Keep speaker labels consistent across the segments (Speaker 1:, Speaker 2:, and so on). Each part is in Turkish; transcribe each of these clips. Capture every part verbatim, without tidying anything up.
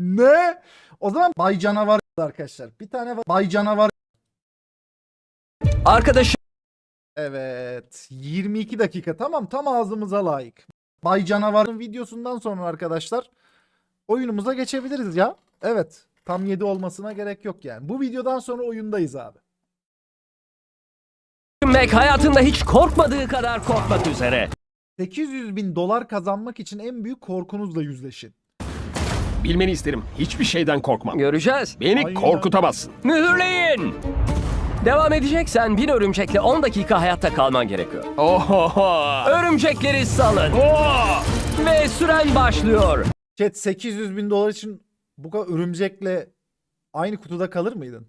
Speaker 1: Ne? O zaman Bay Canavar arkadaşlar. Bir tane var. Bay Canavar.
Speaker 2: Arkadaşım
Speaker 1: Evet. yirmi iki dakika. Tamam, tam ağzımıza layık. Bay Canavar'ın videosundan sonra arkadaşlar oyunumuza geçebiliriz ya. Evet. Tam yedi olmasına gerek yok yani. Bu videodan sonra oyundayız abi.
Speaker 2: Mac hayatında hiç korkmadığı kadar korkmak üzere.
Speaker 1: sekiz yüz bin dolar kazanmak için en büyük korkunuzla yüzleşin.
Speaker 3: Bilmeni isterim. Hiçbir şeyden korkmam.
Speaker 2: Göreceğiz.
Speaker 3: Beni
Speaker 1: Aynen.
Speaker 3: korkutamazsın.
Speaker 2: Mühürleyin. Devam edeceksen bin örümcekle on dakika hayatta kalman gerekiyor.
Speaker 3: Oho.
Speaker 2: Örümcekleri salın.
Speaker 3: Oh!
Speaker 2: Ve süren başlıyor.
Speaker 1: Chat, sekiz yüz bin dolar için bu kadar örümcekle aynı kutuda kalır mıydın?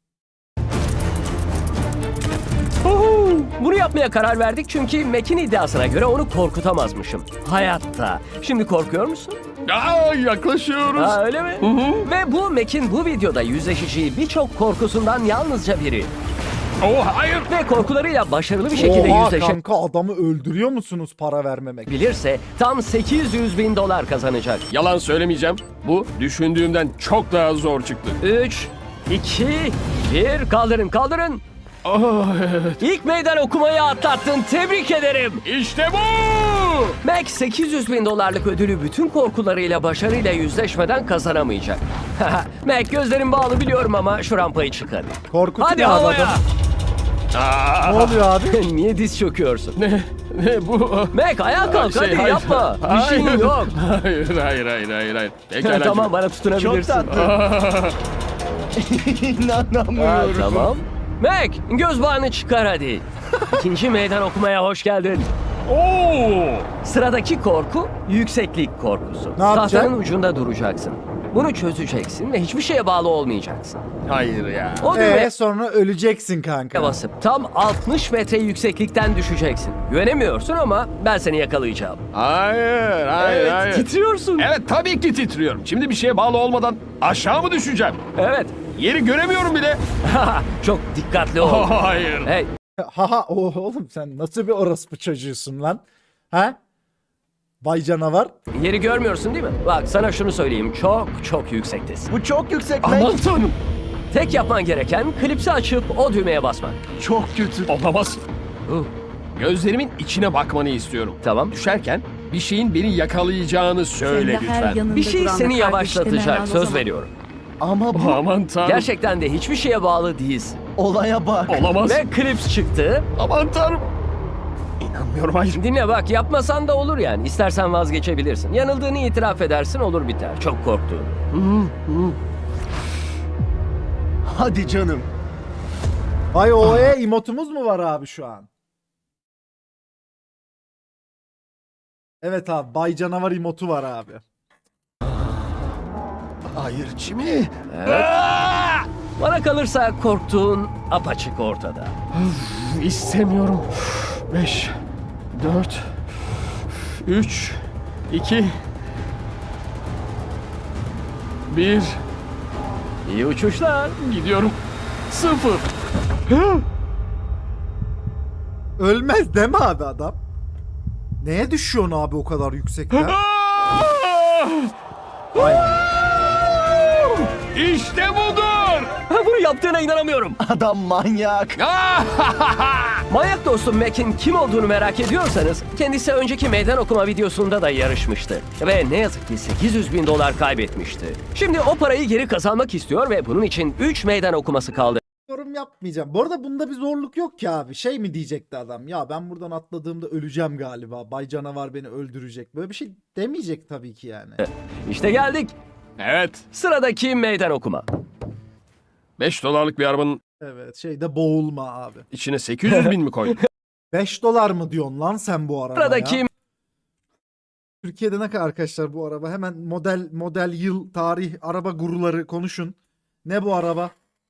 Speaker 2: Huhu! Bunu yapmaya karar verdik çünkü Mac'in iddiasına göre onu korkutamazmışım. Hayatta. Şimdi korkuyor musun?
Speaker 3: Aa, yaklaşıyoruz.
Speaker 2: Ha, öyle mi?
Speaker 3: Hı hı.
Speaker 2: Ve bu Mac'in bu videoda yüzleşeceği birçok korkusundan yalnızca biri.
Speaker 3: Oh, hayır.
Speaker 2: Ve korkularıyla başarılı bir şekilde
Speaker 1: Oha
Speaker 2: yüzleşebilirse
Speaker 1: kanka, adamı öldürüyor musunuz para vermemek?
Speaker 2: tam sekiz yüz bin dolar kazanacak.
Speaker 3: Yalan söylemeyeceğim. Bu düşündüğümden çok daha zor çıktı.
Speaker 2: üç, iki, bir, kaldırın kaldırın.
Speaker 3: Oh, evet.
Speaker 2: İlk meydan okumayı atlattın, tebrik ederim.
Speaker 3: İşte bu.
Speaker 2: Mac sekiz yüz bin dolarlık ödülü bütün korkularıyla başarıyla yüzleşmeden kazanamayacak. Mac, gözlerin bağlı biliyorum ama şu rampayı çık hadi.
Speaker 1: Korkutuyor
Speaker 2: Hadi
Speaker 1: abi
Speaker 2: havaya.
Speaker 1: adam.
Speaker 3: Aa,
Speaker 1: Ne oluyor abi?
Speaker 2: Niye diz çöküyorsun?
Speaker 3: ne, ne bu?
Speaker 2: Mac ayağa kalk
Speaker 3: Şey,
Speaker 2: hadi
Speaker 3: hayır.
Speaker 2: yapma. Bir şeyin
Speaker 3: Hayır.
Speaker 2: yok.
Speaker 3: Hayır, hayır, hayır, hayır, hayır. Pekala.
Speaker 2: Tamam, bana tutunabilirsin.
Speaker 3: Aa,
Speaker 2: Ha, tamam. Mac, göz bağını çıkar hadi. İkinci meydan okumaya hoş geldin.
Speaker 3: Oo!
Speaker 2: Sıradaki korku yükseklik korkusu.
Speaker 1: Ne yapacak?
Speaker 2: Tahtanın ucunda duracaksın. Bunu çözeceksin ve hiçbir şeye bağlı olmayacaksın.
Speaker 3: Hayır ya.
Speaker 2: O düğmeye
Speaker 1: Eee sonra öleceksin kanka.
Speaker 2: basıp tam altmış metre yükseklikten düşeceksin. Güvenemiyorsun ama ben seni yakalayacağım.
Speaker 3: Hayır, hayır,
Speaker 2: Evet,
Speaker 3: hayır.
Speaker 2: titriyorsun.
Speaker 3: Evet, tabii ki titriyorum. Şimdi bir şeye bağlı olmadan aşağı mı düşeceğim?
Speaker 2: Evet.
Speaker 3: Yeri göremiyorum bile.
Speaker 2: Çok dikkatli ol.
Speaker 3: Oh, hayır.
Speaker 2: Hey,
Speaker 1: Haha oh, oğlum sen nasıl bir orospu çocuğusun lan? Ha? Bay Canavar.
Speaker 2: yeri görmüyorsun değil mi? Bak sana şunu söyleyeyim. Çok çok yüksektesin.
Speaker 4: Bu çok yüksek Mac.
Speaker 3: Aman tanrım.
Speaker 2: Tek yapman gereken klipsi açıp o düğmeye basmak.
Speaker 4: Çok kötü.
Speaker 3: Olamaz.
Speaker 2: Uh,
Speaker 3: Gözlerimin içine bakmanı istiyorum.
Speaker 2: Tamam.
Speaker 3: Düşerken bir şeyin beni yakalayacağını söyle
Speaker 5: Kendi her
Speaker 3: lütfen.
Speaker 5: yanında
Speaker 2: Bir şey
Speaker 5: duran
Speaker 2: seni
Speaker 5: da
Speaker 2: yavaşlatacak.
Speaker 5: kardeşlerine al o
Speaker 2: Söz
Speaker 5: zaman.
Speaker 2: veriyorum.
Speaker 4: Ama bu
Speaker 3: Aman tanrım.
Speaker 2: Gerçekten de hiçbir şeye bağlı değilsin.
Speaker 4: olaya bak.
Speaker 3: Olamaz.
Speaker 2: Ve klips çıktı.
Speaker 3: Aman tanrım. İnanmıyorum, hayır.
Speaker 2: Dinle bak, yapmasan da olur yani. İstersen vazgeçebilirsin. Yanıldığını itiraf edersin, olur biter. Çok korktuğunu.
Speaker 4: Hadi canım.
Speaker 1: Bay O E emotumuz mu var abi şu an? Evet abi, Bay Canavar emotu var abi.
Speaker 4: Hayır Jimmy.
Speaker 2: Bana kalırsa korktuğun apaçık ortada.
Speaker 3: İstemiyorum. Beş, dört, üç, iki, bir.
Speaker 2: İyi uçuşlar.
Speaker 3: Gidiyorum. Sıfır.
Speaker 1: Ölmez değil mi abi adam? Neye düşüyorsun abi o kadar yüksekten?
Speaker 3: İşte budur.
Speaker 2: Ha, bunu yaptığına inanamıyorum.
Speaker 4: Adam manyak.
Speaker 2: Manyak dostum Mac'in kim olduğunu merak ediyorsanız kendisi önceki meydan okuma videosunda da yarışmıştı. Ve ne yazık ki sekiz yüz bin dolar kaybetmişti. Şimdi o parayı geri kazanmak istiyor ve bunun için üç meydan okuması kaldı.
Speaker 1: Yorum yapmayacağım. Bu arada bunda bir zorluk yok ki abi. Şey mi diyecekti adam? Ya ben buradan atladığımda öleceğim galiba. Bay Canavar beni öldürecek. Böyle bir şey demeyecek tabii ki yani.
Speaker 2: İşte geldik.
Speaker 3: Evet.
Speaker 2: Sıradaki meydan okuma.
Speaker 3: Beş dolarlık bir arabanın
Speaker 1: Evet, şeyde boğulma abi.
Speaker 3: içine sekiz yüz bin mi koydun?
Speaker 1: beş dolar mı diyorsun lan sen bu arabaya?
Speaker 2: Sıradaki
Speaker 1: Türkiye'de ne kadar arkadaşlar bu araba? Hemen model model yıl tarih araba guruları konuşun. Ne bu araba?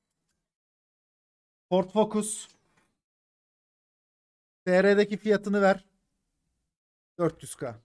Speaker 1: Ford Focus. T R'deki fiyatını ver. dört yüz K.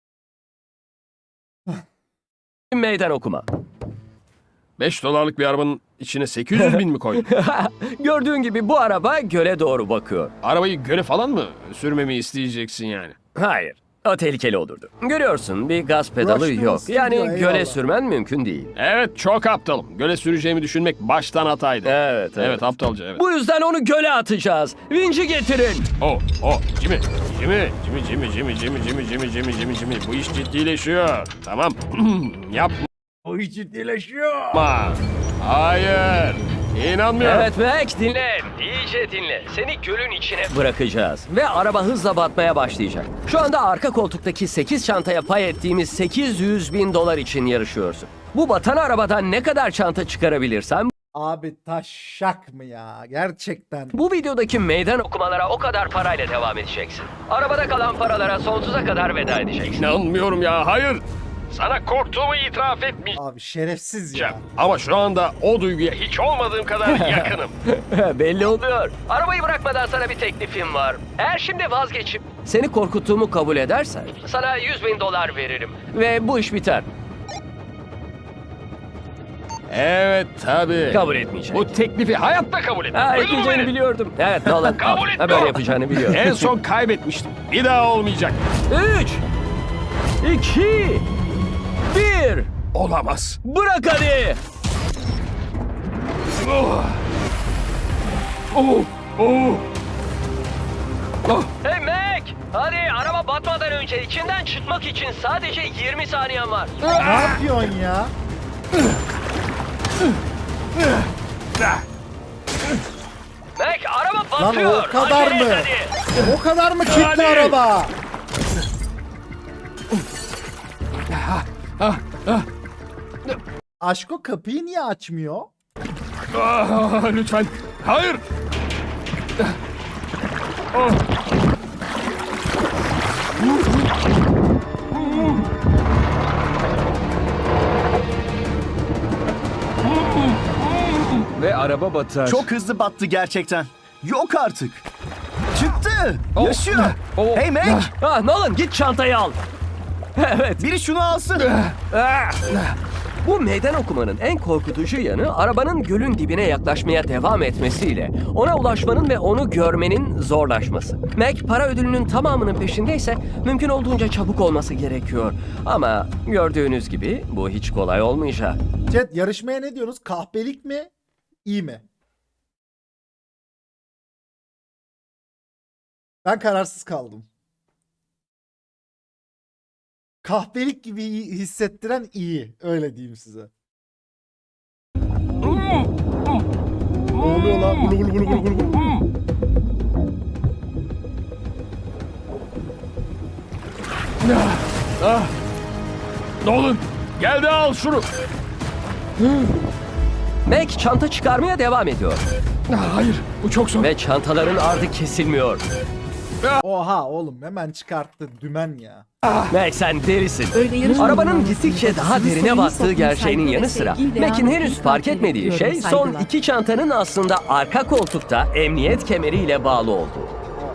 Speaker 2: meydan okuma.
Speaker 3: Beş dolarlık bir arabanın içine sekiz yüz bin mi koydun?
Speaker 2: Gördüğün gibi bu araba göle doğru bakıyor.
Speaker 3: Arabayı göle falan mı sürmemi isteyeceksin yani?
Speaker 2: Hayır. O tehlikeli olurdu. Görüyorsun bir gaz pedalı
Speaker 1: Rush'ta
Speaker 2: yok.
Speaker 1: nasıl
Speaker 2: Yani
Speaker 1: gidiyor,
Speaker 2: göle
Speaker 1: eyvallah.
Speaker 2: sürmen mümkün değil.
Speaker 3: Evet çok aptalım. Göle süreceğimi düşünmek baştan hataydı.
Speaker 2: Evet, evet.
Speaker 3: Evet aptalca evet.
Speaker 2: Bu yüzden onu göle atacağız. Vinci getirin.
Speaker 3: Oh oh Jimmy. Jimmy. Jimmy Jimmy Jimmy Jimmy Jimmy Jimmy Jimmy Jimmy Jimmy. Bu iş ciddileşiyor. Tamam. Yapma. Bu iş ciddileşiyor. Hayır. İnanmıyorum.
Speaker 2: Evet Mac dinle. İyice dinle. Seni gölün içine bırakacağız. Ve araba hızla batmaya başlayacak. Şu anda arka koltuktaki sekiz çantaya pay ettiğimiz sekiz yüz bin dolar için yarışıyorsun. Bu batan arabadan ne kadar çanta çıkarabilirsem
Speaker 1: Abi taşak mı ya? Gerçekten.
Speaker 2: bu videodaki meydan okumalara o kadar parayla devam edeceksin. Arabada kalan paralara sonsuza kadar veda edeceksin.
Speaker 3: İnanmıyorum ya. Hayır. Sana korktuğumu itiraf etmeyeceğim.
Speaker 1: Abi şerefsiz ya.
Speaker 3: Ama şu anda o duyguya hiç olmadığım kadar yakınım.
Speaker 2: Belli oluyor. Arabayı bırakmadan sana bir teklifim var. Eğer şimdi vazgeçip seni korkuttuğumu kabul edersen sana yüz bin dolar veririm. Ve bu iş biter.
Speaker 3: Evet tabii.
Speaker 2: Kabul etmeyecek.
Speaker 3: Bu teklifi hayatta kabul etmem.
Speaker 2: Ha,
Speaker 3: Duydun mu
Speaker 2: etmeyeceğini
Speaker 3: beni?
Speaker 2: biliyordum. Evet Nolan.
Speaker 3: Kabul
Speaker 2: al. Ha,
Speaker 3: etmiyorum.
Speaker 2: böyle yapacağını biliyorum.
Speaker 3: En son kaybetmiştim. Bir daha olmayacak.
Speaker 2: Üç, iki, bir.
Speaker 3: Olamaz.
Speaker 2: Bırak hadi.
Speaker 3: Oh. Oh. Oh. Oh.
Speaker 2: Hey Mac. Hadi araba batmadan önce içinden çıkmak için sadece yirmi saniyen var.
Speaker 1: Ne yapıyorsun ya?
Speaker 2: Mac araba
Speaker 1: Lan
Speaker 2: batıyor.
Speaker 1: o kadar
Speaker 2: Acele et
Speaker 1: mı?
Speaker 2: hadi.
Speaker 1: O kadar mı kilitli
Speaker 3: Hadi.
Speaker 1: araba? Aşko kapıyı niye açmıyor?
Speaker 3: Ah, lütfen. Hayır. Oh.
Speaker 2: Ve araba batar.
Speaker 4: Çok hızlı battı gerçekten. Yok artık. Çıktı.
Speaker 3: Oh.
Speaker 4: Yaşıyor.
Speaker 3: Oh.
Speaker 4: Hey Mac.
Speaker 2: Ah Nolan git çantayı al. Evet.
Speaker 4: Biri şunu alsın.
Speaker 2: Ah! Bu meydan okumanın en korkutucu yanı arabanın gölün dibine yaklaşmaya devam etmesiyle ona ulaşmanın ve onu görmenin zorlaşması. Mac para ödülünün tamamının peşindeyse mümkün olduğunca çabuk olması gerekiyor. Ama gördüğünüz gibi bu hiç kolay olmayacak.
Speaker 1: Chat yarışmaya ne diyorsunuz? Kahpelik mi? İyi mi? Ben kararsız kaldım. Kahpelik gibi hissettiren iyi. Öyle diyeyim size. Ne oluyor lan? Gulu gulu gulu gulu gulu.
Speaker 3: Ah. Nolan. Gel de al şunu.
Speaker 2: Mac çanta çıkarmaya devam ediyor.
Speaker 3: Ah, hayır. Bu çok zor.
Speaker 2: Ve çantaların ardı kesilmiyor.
Speaker 1: Oha oğlum hemen çıkarttı dümen ya.
Speaker 2: Mac sen delisin.
Speaker 5: Öyle yarışma
Speaker 2: Arabanın
Speaker 5: zamanı
Speaker 2: gittikçe daha
Speaker 5: sizi
Speaker 2: derine
Speaker 5: sevgi,
Speaker 2: battığı
Speaker 5: toplum,
Speaker 2: gerçeğinin
Speaker 5: saygı
Speaker 2: yanı
Speaker 5: ve
Speaker 2: sıra
Speaker 5: sevgiyle
Speaker 2: Mac'in henüz
Speaker 5: hayatınızı
Speaker 2: fark
Speaker 5: takip
Speaker 2: etmediği şey
Speaker 5: ediyorum,
Speaker 2: son
Speaker 5: saygılar.
Speaker 2: iki çantanın aslında arka koltukta emniyet kemeriyle bağlı olduğu.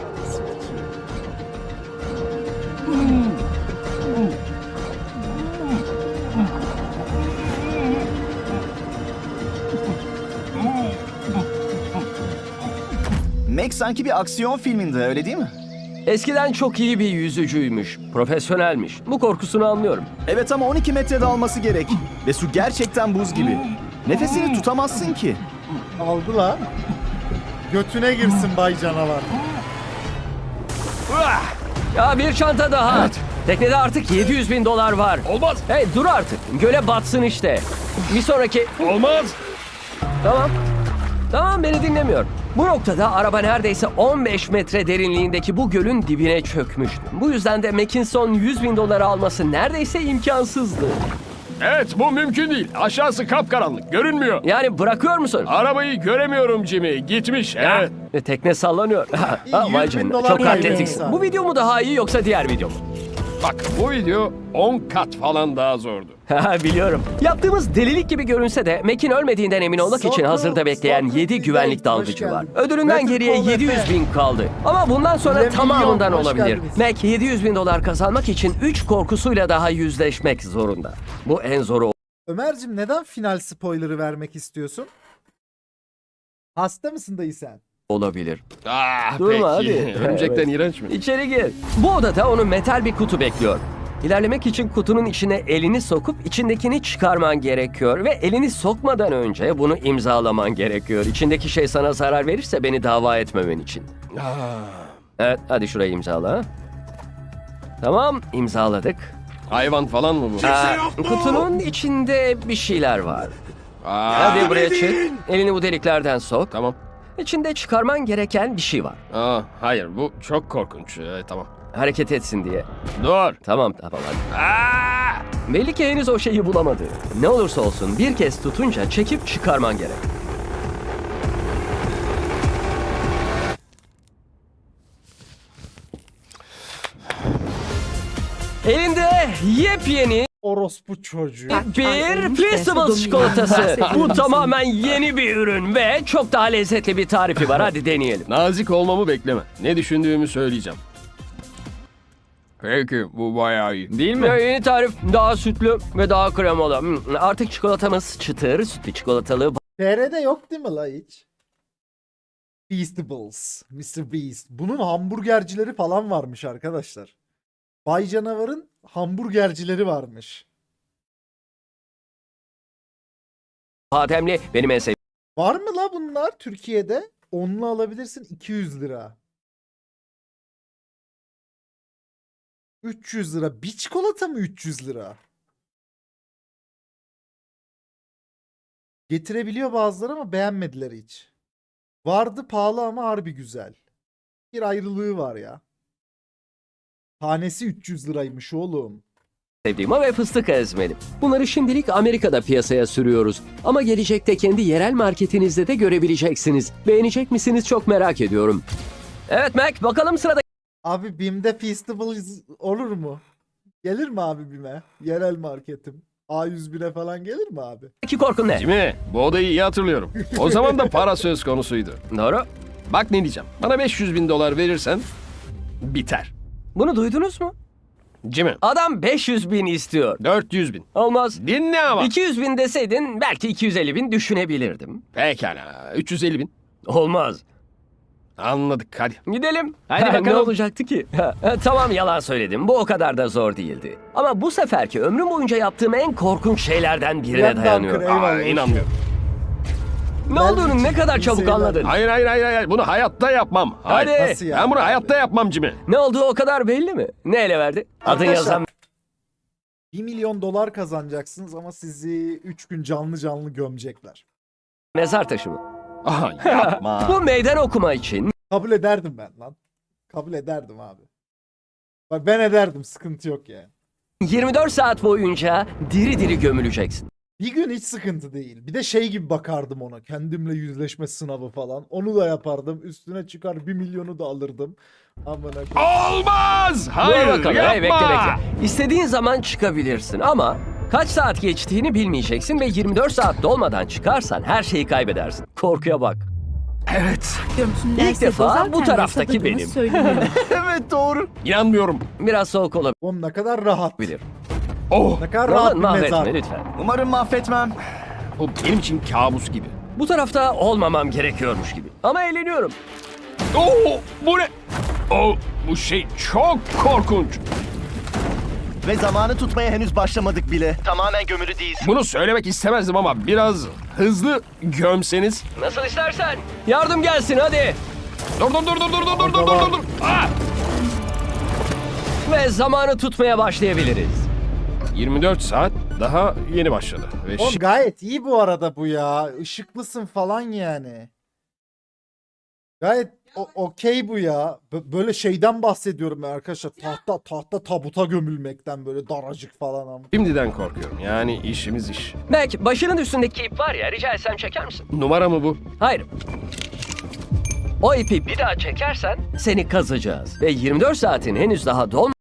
Speaker 4: Mac sanki bir aksiyon filminde öyle değil mi?
Speaker 2: Eskiden çok iyi bir yüzücüymüş, profesyonelmiş. Bu korkusunu anlıyorum.
Speaker 4: Evet ama on iki metrede alması gerek. Ve su gerçekten buz gibi. Nefesini tutamazsın ki.
Speaker 1: Aldı lan. Götüne girsin bay canavar.
Speaker 2: Ya bir çanta daha. Teknede artık yedi yüz bin dolar var.
Speaker 3: Olmaz.
Speaker 2: Hey dur artık. Göle batsın işte. Bir sonraki...
Speaker 3: Olmaz.
Speaker 2: Tamam. Tamam beni dinlemiyor. Bu noktada araba neredeyse on beş metre derinliğindeki bu gölün dibine çökmüştü. Bu yüzden de Mackinson yüz bin doları alması neredeyse imkansızdı.
Speaker 3: Evet bu mümkün değil. Aşağısı kapkaranlık. Görünmüyor.
Speaker 2: Yani bırakıyor musun?
Speaker 3: Arabayı göremiyorum Jimmy. Gitmiş. Evet.
Speaker 2: Ve tekne sallanıyor. Ha,
Speaker 1: yüz
Speaker 2: vay
Speaker 1: bin
Speaker 2: canına.
Speaker 1: dolar
Speaker 2: Çok
Speaker 1: kaybetmiş
Speaker 2: atletiksin.
Speaker 1: abi.
Speaker 2: Bu video mu daha iyi yoksa diğer video mu?
Speaker 3: Bak bu video on kat falan daha zordu.
Speaker 2: Ha, biliyorum. Yaptığımız delilik gibi görünse de Mac'in ölmediğinden emin olmak için
Speaker 1: Sokul,
Speaker 2: hazırda bekleyen
Speaker 1: Sokul
Speaker 2: yedi güvenlik
Speaker 1: Hoş
Speaker 2: dalgıcı var.
Speaker 1: geldin.
Speaker 2: Ödülünden
Speaker 1: Metin
Speaker 2: geriye
Speaker 1: Kol
Speaker 2: yedi yüz
Speaker 1: Efe.
Speaker 2: bin kaldı. Ama bundan sonra
Speaker 1: Milyon,
Speaker 2: tamamından
Speaker 1: hoş
Speaker 2: olabilir.
Speaker 1: geldiniz.
Speaker 2: Mac yedi yüz bin dolar kazanmak için üç korkusuyla daha yüzleşmek zorunda. Bu en zoru
Speaker 1: Ömer'cim neden final spoiler'ı vermek istiyorsun? Hasta mısın dayı sen?
Speaker 2: olabilir.
Speaker 3: Ah,
Speaker 2: Durma,
Speaker 3: peki.
Speaker 2: hadi.
Speaker 3: Örümcekten
Speaker 2: Evet.
Speaker 3: iğrenç mi?
Speaker 2: İçeri gir. Bu odada onu metal bir kutu bekliyor. İlerlemek için kutunun içine elini sokup içindekini çıkarman gerekiyor ve elini sokmadan önce bunu imzalaman gerekiyor. İçindeki şey sana zarar verirse beni dava etmemen için.
Speaker 3: Ah,
Speaker 2: Evet, hadi şurayı imzala. Tamam, imzaladık.
Speaker 3: hayvan falan mı bu?
Speaker 2: Aa, kutunun içinde bir şeyler var.
Speaker 3: Aa,
Speaker 2: Hadi buraya çık. Elini bu deliklerden sok.
Speaker 3: Tamam.
Speaker 2: İçinde çıkarman gereken bir şey var.
Speaker 3: Aa, hayır bu çok korkunç. Ee, tamam.
Speaker 2: Hareket etsin diye.
Speaker 3: Dur.
Speaker 2: Tamam, tamam hadi.
Speaker 3: Aa!
Speaker 2: Belli ki henüz o şeyi bulamadı. Ne olursa olsun bir kez tutunca çekip çıkarman gerek. Elinde yepyeni
Speaker 1: Orospu çocuğu.
Speaker 2: bir Feastables çikolatası. Bu tamamen yeni bir ürün ve çok daha lezzetli bir tarifi var. Hadi deneyelim.
Speaker 3: Nazik olmamı bekleme. Ne düşündüğümü söyleyeceğim. Peki bu bayağı iyi.
Speaker 2: Değil mi? Yeni tarif daha sütlü ve daha kremalı. Hmm, Artık çikolatamız çıtır, sütlü çikolatalı,
Speaker 1: T R'de yok değil mi la hiç? Feastables. mister Beast. Bunun hamburgercileri falan varmış arkadaşlar. Bay Canavar'ın hamburgercileri varmış.
Speaker 2: bademli. Benim en sevdiğim.
Speaker 1: Var mı la bunlar Türkiye'de? Onlu alabilirsin iki yüz lira. üç yüz lira. Bir çikolata mı üç yüz lira? Getirebiliyor bazıları ama beğenmediler hiç. Vardı pahalı ama harbi güzel. Bir ayrılığı var ya. Tanesi üç yüz liraymış oğlum.
Speaker 2: sevdiğim ve fıstık ezmeli. Bunları şimdilik Amerika'da piyasaya sürüyoruz. Ama gelecekte kendi yerel marketinizde de görebileceksiniz. Beğenecek misiniz çok merak ediyorum. Evet Mac, bakalım sıradaki
Speaker 1: Abi BİM'de Feastables olur mu? Gelir mi abi BİM'e? Yerel marketim. A yüz bire falan gelir mi abi?
Speaker 2: korkun ne?
Speaker 3: Jimmy, bu odayı iyi hatırlıyorum. O zaman da para söz konusuydu.
Speaker 2: Doğru.
Speaker 3: Bak ne diyeceğim. Bana beş yüz bin dolar verirsen biter.
Speaker 2: Bunu duydunuz mu?
Speaker 3: Jimmy,
Speaker 2: Adam beş yüz bin istiyor.
Speaker 3: dört yüz bin.
Speaker 2: Olmaz.
Speaker 3: Dinle ama.
Speaker 2: iki yüz bin deseydin belki iki yüz elli bin düşünebilirdim.
Speaker 3: Pekala. üç yüz elli bin.
Speaker 2: Olmaz.
Speaker 3: Anladık hadi.
Speaker 2: Gidelim.
Speaker 3: Hadi
Speaker 2: Ha, Ne
Speaker 3: bakalım.
Speaker 2: olacaktı ki? Ha, ha, tamam yalan söyledim. Bu o kadar da zor değildi. Ama bu seferki ömrüm boyunca yaptığım en korkunç şeylerden birine
Speaker 1: Yandan
Speaker 2: dayanıyor.
Speaker 1: kır, eyvallah.
Speaker 3: Aa, inanmıyorum.
Speaker 2: Ne olduğunu ne kadar
Speaker 1: iyi
Speaker 2: çabuk
Speaker 1: seyirler.
Speaker 2: anladın.
Speaker 3: Hayır hayır hayır hayır. Bunu hayatta yapmam. Hayır.
Speaker 2: Hadi.
Speaker 1: Nasıl ya?
Speaker 3: Ben bunu hayatta yapmam Jimmy.
Speaker 2: Ne olduğu o kadar belli mi? Ne ele verdi? Adın
Speaker 1: Arkadaşlar,
Speaker 2: yazan
Speaker 1: bir milyon dolar kazanacaksınız ama sizi üç gün canlı canlı gömecekler.
Speaker 2: mezar taşı mı?
Speaker 3: Aha yapma.
Speaker 2: Bu meydan okuma için
Speaker 1: Kabul ederdim ben lan. Kabul ederdim abi. Bak ben ederdim, sıkıntı yok yani.
Speaker 2: yirmi dört saat boyunca diri diri gömüleceksin.
Speaker 1: Bir gün hiç sıkıntı değil. Bir de şey gibi bakardım ona. Kendimle yüzleşme sınavı falan. Onu da yapardım. Üstüne çıkar bir milyonu da alırdım. Amına koyayım.
Speaker 3: Olmaz.
Speaker 2: Dur
Speaker 3: Hayır
Speaker 2: bakalım.
Speaker 3: yapma.
Speaker 2: Hey, bekle bekle. İstediğin zaman çıkabilirsin ama kaç saat geçtiğini bilmeyeceksin ve yirmi dört saat dolmadan çıkarsan her şeyi kaybedersin. Korkuya bak.
Speaker 3: Evet.
Speaker 2: İlk defa bu taraftaki benim.
Speaker 4: Evet doğru.
Speaker 3: İnanmıyorum.
Speaker 2: Biraz soğuk
Speaker 1: Oğlum ne kadar rahat.
Speaker 2: olabilir.
Speaker 3: Oh.
Speaker 1: Ne kadar rahat
Speaker 2: Roman
Speaker 1: bir mezar.
Speaker 2: mahvetme lütfen.
Speaker 4: Umarım mahvetmem.
Speaker 3: Bu benim için kabus gibi.
Speaker 2: Bu tarafta olmamam gerekiyormuş gibi. Ama eğleniyorum.
Speaker 3: Oh, bu ne? Oh, bu şey çok korkunç.
Speaker 5: Ve zamanı tutmaya henüz başlamadık bile. Tamamen gömülü değilsin.
Speaker 3: Bunu söylemek istemezdim ama biraz hızlı gömseniz.
Speaker 2: Nasıl istersen. Yardım gelsin hadi.
Speaker 3: Dur dur dur dur dur dur dur dur dur dur. Ah!
Speaker 2: Ve zamanı tutmaya başlayabiliriz.
Speaker 3: yirmi dört saat daha yeni başladı. Ve
Speaker 1: Oğlum
Speaker 3: şi-
Speaker 1: gayet iyi bu arada bu ya. Işıklısın falan yani. Gayet o- okey bu ya. Bö- böyle şeyden bahsediyorum ben arkadaşlar. Tahta tahta tabuta gömülmekten böyle daracık falan ama.
Speaker 3: şimdiden korkuyorum. Yani işimiz iş.
Speaker 2: Belki başının üstündeki ip var ya, rica etsem çeker misin?
Speaker 3: Numara mı bu?
Speaker 2: Hayır. O ipi bir daha çekersen seni kazacağız. Ve yirmi dört saatin henüz daha dolmadan